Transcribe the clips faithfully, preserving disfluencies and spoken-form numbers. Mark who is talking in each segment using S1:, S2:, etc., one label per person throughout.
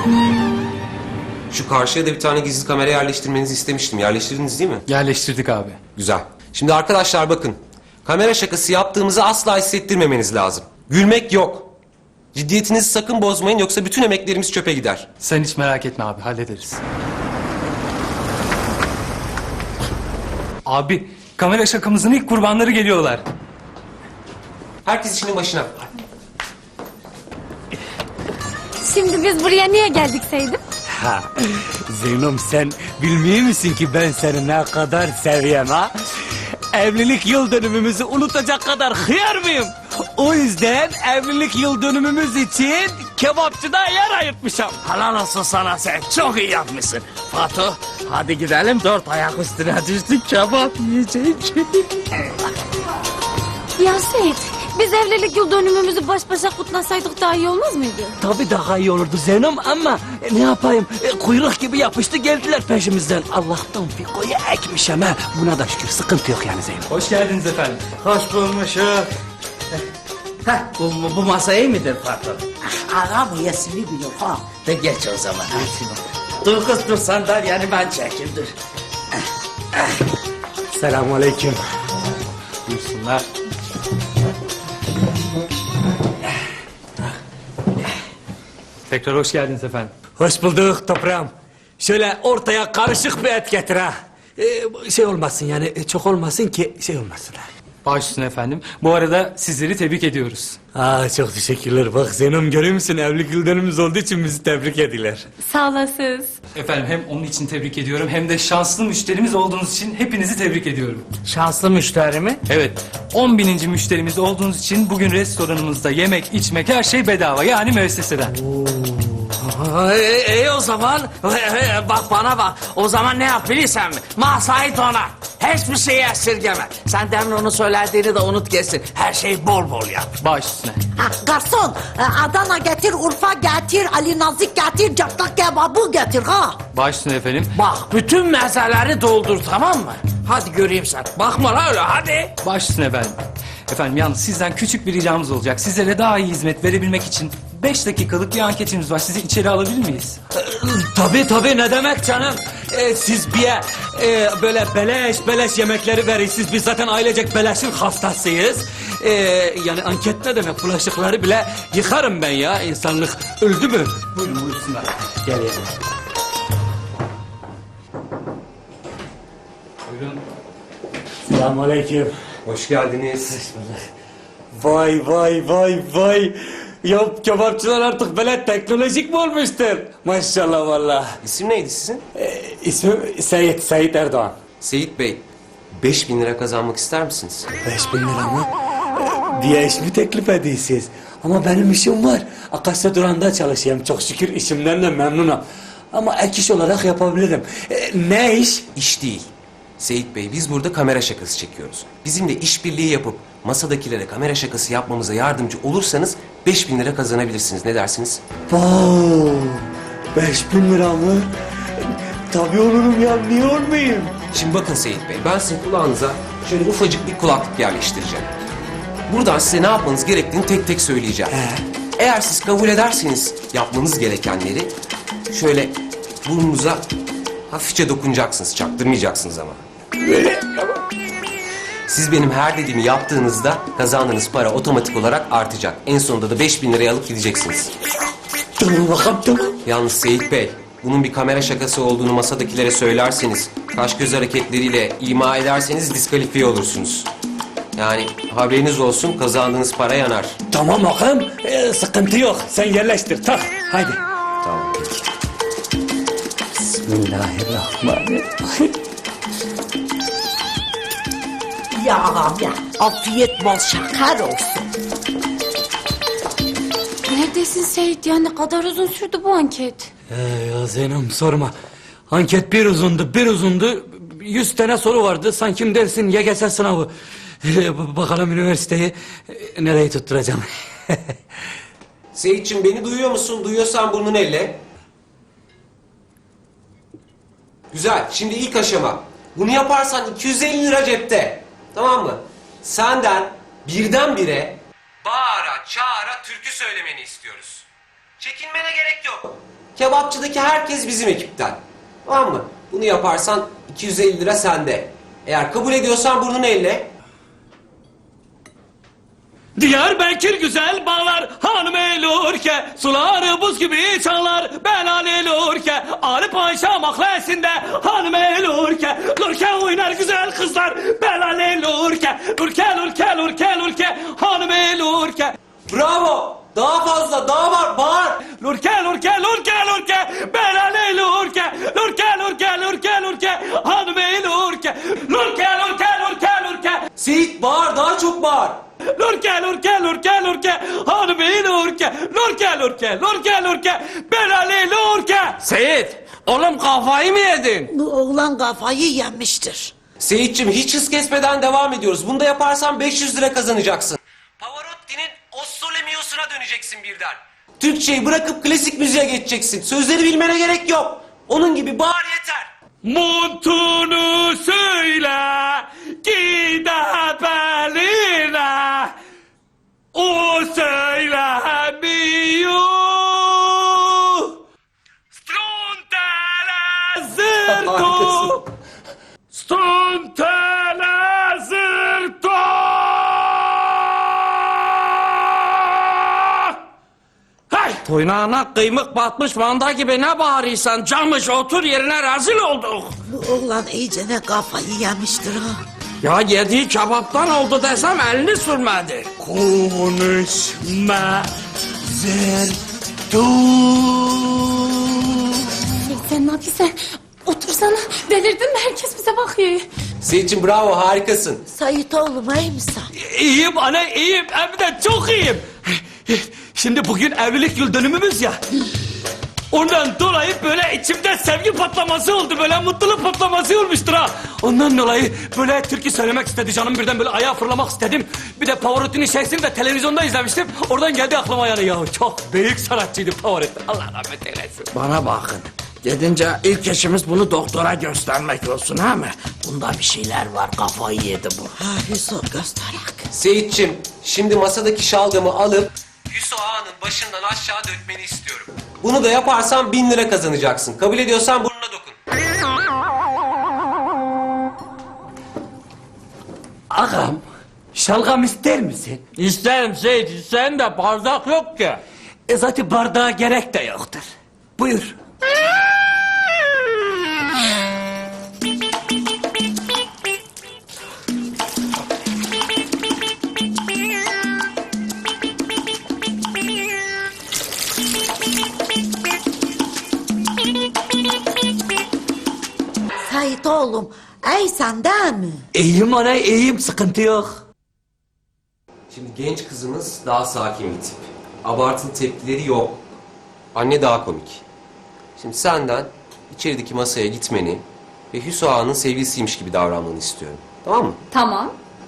S1: Şu karşıya da bir tane gizli kamera yerleştirmenizi istemiştim. Yerleştirdiniz değil mi?
S2: Yerleştirdik abi.
S1: Güzel. Şimdi arkadaşlar bakın. Kamera şakası yaptığımızı asla hissettirmemeniz lazım. Gülmek yok. Ciddiyetinizi sakın bozmayın yoksa bütün emeklerimiz çöpe gider.
S2: Sen hiç merak etme abi, hallederiz. Abi, kamera şakamızın ilk kurbanları geliyorlar.
S1: Herkes işinin başına.
S3: Şimdi biz buraya niye geldik Seydim?
S4: Ha, Zeynep sen bilmiyor musun ki ben seni ne kadar seviyorum ha? Evlilik yıl dönümümüzü unutacak kadar hıyar mıyım? O yüzden evlilik yıl dönümümüz için kebapçıda yer ayırtmışım. Helal olsun sana, sen çok iyi yapmışsın. Fatu, hadi gidelim, dört ayak üstüne düştük, kebap yiyecek.
S3: Ya Seyit, biz evlilik yıl dönümümüzü baş başa kutlasaydık daha iyi olmaz mıydı?
S4: Tabii daha iyi olurdu Zeynep ama e, ne yapayım, e, kuyruk gibi yapıştı geldiler peşimizden. Allah'tan Fiko'yu ekmişim ha. Buna da şükür, sıkıntı yok yani Zeynep.
S2: Hoş geldiniz efendim.
S4: Hoş bulmuşum. Heh, bu, bu, bu masa iyi midir patron?
S5: Ağa bu yasını biliyor ha.
S4: De geç o zaman. Dur kız dur, sandalyeni ben çekeyim dur. Selamun aleyküm.
S2: Buyursunlar. Tekrar hoş geldiniz efendim.
S4: Hoş bulduk toprağım. Şöyle ortaya karışık bir et getir ha. Ee, şey olmasın yani, çok olmasın ki şey olmasın ha.
S2: Baş üstüne efendim. Bu arada sizleri tebrik ediyoruz.
S4: Aa, çok teşekkürler. Bak Zeynep, görüyor musun? Evlilik yıl dönümümüz olduğu için bizi tebrik ediler.
S3: Sağ olasınız.
S2: Efendim hem onun için tebrik ediyorum hem de şanslı müşterimiz olduğunuz için hepinizi tebrik ediyorum.
S4: Şanslı müşteri mi?
S2: Evet, on bininci müşterimiz olduğunuz için bugün restoranımızda yemek, içmek her şey bedava, yani müesseseden.
S4: İyi e, o zaman. E, bak bana bak. O zaman ne yap bilirsen mi? Masayı donar. Hiçbir şeyi esirgeme. Sen demin onu söylediğini de unut geçsin. Her şeyi bol bol yap.
S2: Baş üstüne.
S5: Ha, garson e, Adana getir, Urfa getir, Ali Nazik getir, cırtlak kebabı getir ha.
S2: Baş üstüne efendim.
S4: Bak bütün mezeleri doldur, tamam mı? Hadi göreyim sen. Bakma la öyle, hadi.
S2: Baş üstüne efendim. Efendim yalnız sizden küçük bir ricamız olacak. Sizlere daha iyi hizmet verebilmek için beş dakikalık bir anketimiz var. Sizi içeri alabilir miyiz?
S4: Tabii tabii, ne demek canım. Ee, siz bir e, böyle beleş beleş yemekleri verirsiniz. Biz zaten ailecek beleşin hastasıyız. Ee, yani anket ne demek? Bulaşıkları bile yıkarım ben ya. İnsanlık öldü mü?
S2: Buyurun buyursunlar.
S4: Gel ya.
S2: Buyurun.
S4: Selamünaleyküm.
S1: Hoş geldiniz.
S4: Vay vay vay vay. Ya kebapçılar artık böyle teknolojik mi olmuştur? Maşallah vallahi.
S1: İsim neydi sizin?
S4: Ee, ismim Seyit, Seyit Erdoğan.
S1: Seyit Bey. Beş bin lira kazanmak ister misiniz?
S4: Beş bin lira mı? Ee, Bir iş mi teklif ediyorsunuz? Ama benim işim var. Akasya Duran'da çalışıyorum. Çok şükür işimden de memnunum. Ama ek iş olarak yapabilirim. Ee, ne iş?
S1: İş değil. Seyit Bey, biz burada kamera şakası çekiyoruz. Bizimle işbirliği yapıp masadakilere kamera şakası yapmamıza yardımcı olursanız beş bin lira kazanabilirsiniz. Ne dersiniz?
S4: Wow, beş bin lira mı? Tabii olurum ya, niye olmayayım?
S1: Şimdi bakın Seyit Bey, ben sizin kulağınıza şöyle ufacık bir kulaklık yerleştireceğim. Buradan size ne yapmanız gerektiğini tek tek söyleyeceğim. Eğer siz kabul ederseniz yapmanız gerekenleri şöyle burnunuza hafifçe dokunacaksınız, çaktırmayacaksınız ama. Siz benim her dediğimi yaptığınızda kazandığınız para otomatik olarak artacak. En sonunda da beş bin liraya alıp gideceksiniz.
S4: Tamam bakalım, tamam.
S1: Yalnız Seyit Bey, bunun bir kamera şakası olduğunu masadakilere söylerseniz, kaş göz hareketleriyle ima ederseniz diskalifiye olursunuz. Yani haberiniz olsun, kazandığınız para yanar.
S4: Tamam bakalım, ee, sıkıntı yok. Sen yerleştir, tak. Haydi.
S1: Tamam, peki.
S4: Bismillahirrahmanirrahim.
S5: Ya ağam ya, afiyet bol şeker olsun.
S3: Neredesin Seyit ya? Ne kadar uzun sürdü bu anket?
S4: Ee, ya Zeynep sorma. Anket bir uzundu, bir uzundu. Yüz tane soru vardı. Sanki dersin Y G S sınavı. Ee, bakalım üniversiteyi e, nereye tutturacağım.
S1: Seyitçim, beni duyuyor musun? Duyuyorsan burnunu elle. Güzel. Şimdi ilk aşama. Bunu yaparsan iki yüz elli lira cepte. Tamam mı? Senden birdenbire bağıra çağıra türkü söylemeni istiyoruz. Çekinmene gerek yok. Kebapçıdaki herkes bizim ekipten. Tamam mı? Bunu yaparsan iki yüz elli lira sende. Eğer kabul ediyorsan burnunu elle.
S4: Diyarbakır güzel bağlar hanım elurke, suları buz gibi çağlar belan elurke, Ali Paşa mahallesinde hanım elurke, lurke oynar güzel kızlar belan elurke, lurke lurke lurke lurke hanım elurke.
S1: Bravo! Daha fazla, daha var, bağır!
S4: Lurke lurke lurke lurke belan elurke, lurke lurke lurke lurke hanım elurke, lurke lurke lurke lurke.
S1: Seyit bağır, daha çok bağır!
S4: Lurke lurke lurke lurke hanımı lurke, lurke lurke lurke lurke belali lurke. Seyit, oğlum kafayı mı yedin?
S5: Bu oğlan kafayı yemiştir.
S1: Seyitçim hiç hız kesmeden devam ediyoruz. Bunu da yaparsan beş yüz lira kazanacaksın. Pavarotti'nin O Sole Mio'suna döneceksin birden. Türkçeyi bırakıp klasik müziğe geçeceksin. Sözleri bilmene gerek yok. Onun gibi bağır yeter.
S4: Montunu söyle, gide beline, o söylemiyor. Strontele zırto, strontele zırto. Hey! Toynağına kıymık batmış manda gibi ne bağırıyorsan camış otur yerine rezil olduk.
S5: Bu oğlan iyice ne kafayı yemiştir ha.
S4: Ya yediği kebaptan oldu desem elini sürmedi. Konuşma zertu.
S3: Sen ne yapıyorsun? Otursana. Delirdin mi? Herkes bize bakıyor.
S1: Seyitçim bravo, harikasın.
S5: Sait oğlum iyi misin?
S4: İyiyim anne iyiyim hem de çok iyiyim. Şimdi bugün evlilik yıl dönümümüz ya. Ondan dolayı böyle içimde sevgi patlaması oldu. Böyle mutluluk patlaması olmuştur ha. Ondan dolayı böyle türkü söylemek istedi canım. Birden böyle ayağa fırlamak istedim. Bir de Pavarotti'nin şeysini de televizyonda izlemiştim. Oradan geldi aklıma yani ya. Çok büyük sanatçıydı Pavarotti. Allah rahmet eylesin.
S6: Bana bakın. Gidince ilk işimiz bunu doktora göstermek olsun ha mı? Bunda bir şeyler var, kafayı yedi bu.
S5: Ha Hüsnü gösterek.
S1: Seyitçim şimdi masadaki şalgamı alıp Hüso Ağa'nın başından aşağı dökmeni istiyorum. Bunu da yaparsan bin lira kazanacaksın. Kabul ediyorsan burnuna dokun.
S4: Ağam, şalgam ister misin?
S6: İsterim Seyit, isterim de bardak yok ki.
S4: E zaten bardağa gerek de yoktur. Buyur.
S5: Sait oğlum ey sen değil mi?
S4: İyiyim ana iyiyim sıkıntı yok.
S1: Şimdi genç kızımız daha sakin bir tip. Abartılı tepkileri yok. Anne daha komik. Şimdi senden içerideki masaya gitmeni ve Hüso Ağa'nın sevgilisiymiş gibi davranmanı istiyorum. Tamam mı?
S3: Tamam.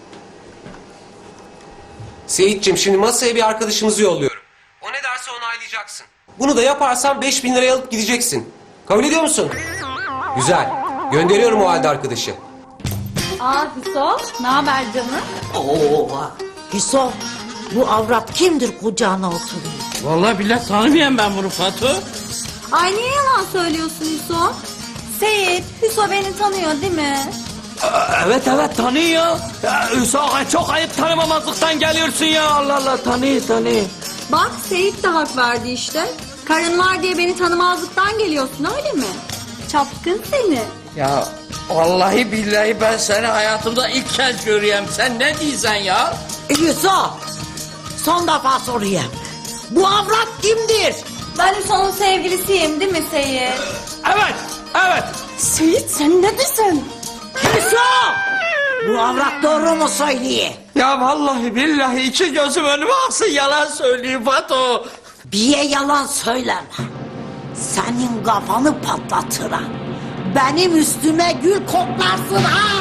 S1: Seyitçim şimdi masaya bir arkadaşımızı yolluyorum. O ne derse onaylayacaksın. Bunu da yaparsan beş bin liraya alıp gideceksin. Kabul ediyor musun? Güzel. Gönderiyorum o halde arkadaşı.
S3: Aa Hüso, ne haber canım?
S5: Oo. Hüsnü bu avrat kimdir kucağına oturuyor?
S6: Vallahi bile tanımıyorum ben bunu Fatu.
S3: Ay niye yalan söylüyorsun Hüso? Seyit, Hüso beni tanıyor değil mi?
S4: Evet evet tanıyor. Ya, Hüsnü çok ayıp tanımamazlıktan geliyorsun ya. Allah Allah tanıyor tanıyor.
S3: Bak Seyit de hak verdi işte. Karın var diye beni tanımazlıktan geliyorsun öyle mi? Çapkın seni.
S6: Ya vallahi billahi ben seni hayatımda ilk kez görüyorum. Sen ne diyorsun ya?
S5: Hüsnü son defa sorayım. Bu avrat kimdir?
S3: Ben Hüso'nun sevgilisiyim değil mi Seyit?
S4: Evet evet.
S3: Seyit sen ne diyorsun?
S5: Hüsnü! Bu avrat doğru mu söylüyor?
S6: Ya vallahi billahi iki gözüm önüme aksın yalan söyleyeyim Fatu.
S5: Bir yalan söyleme. Senin kafanı patlatırım. Benim üstüme gül koklarsın ha.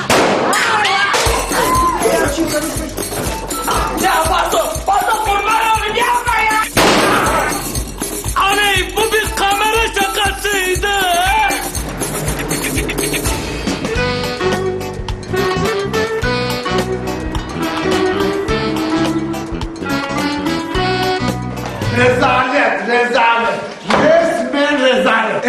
S4: Ya Fatu, Fatu kurban olayım yapma ya. Aney bu bir kamera şakasıydı.
S7: Rezalet, rezalet. Resmen rezalet.
S6: rezalet.